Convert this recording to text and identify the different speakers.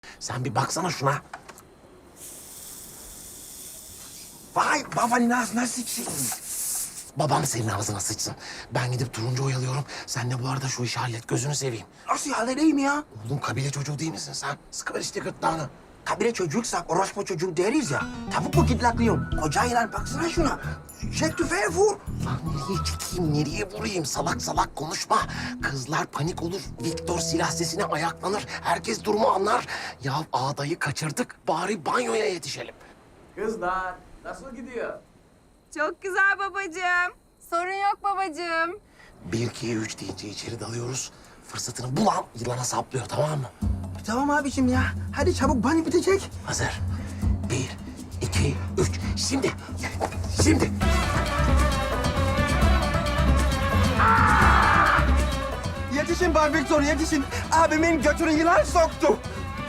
Speaker 1: Sen bir baksana şuna.
Speaker 2: Vay baba nasılsın?
Speaker 1: Babam senin ağzına sıçsın. Ben gidip turuncu oyalıyorum. Sen de bu arada şu işi hallet. Gözünü seveyim.
Speaker 2: Nasıl halledeyim ya?
Speaker 1: Oğlum kabile çocuğu değil misin sen? Sıkıver işte gırtlağını.
Speaker 2: Kabile çocuksak orospu çocuğu deriz ya. Tavuk mu gidlaklıyorum? Koca ilan baksana şuna. Çek tüfeği vur.
Speaker 1: Lan nereye çekeyim, nereye vurayım? Salak salak konuşma. Kızlar panik olur. Viktor silah sesine ayaklanır. Herkes durumu anlar. Ya ağdayı kaçırdık. Bari banyoya yetişelim.
Speaker 3: Kızlar nasıl gidiyor?
Speaker 4: Çok güzel babacığım. Sorun yok babacığım.
Speaker 1: 1, 2, 3 deyince içeri dalıyoruz. Fırsatını bulan yılana saplıyor, tamam mı?
Speaker 2: Tamam abiciğim ya. Hadi çabuk banyo bitecek.
Speaker 1: Hazır. 1, 2, 3. Şimdi. Şimdi.
Speaker 2: Yetişin Bay Victor yetişin. Abimin götünü yılan soktu.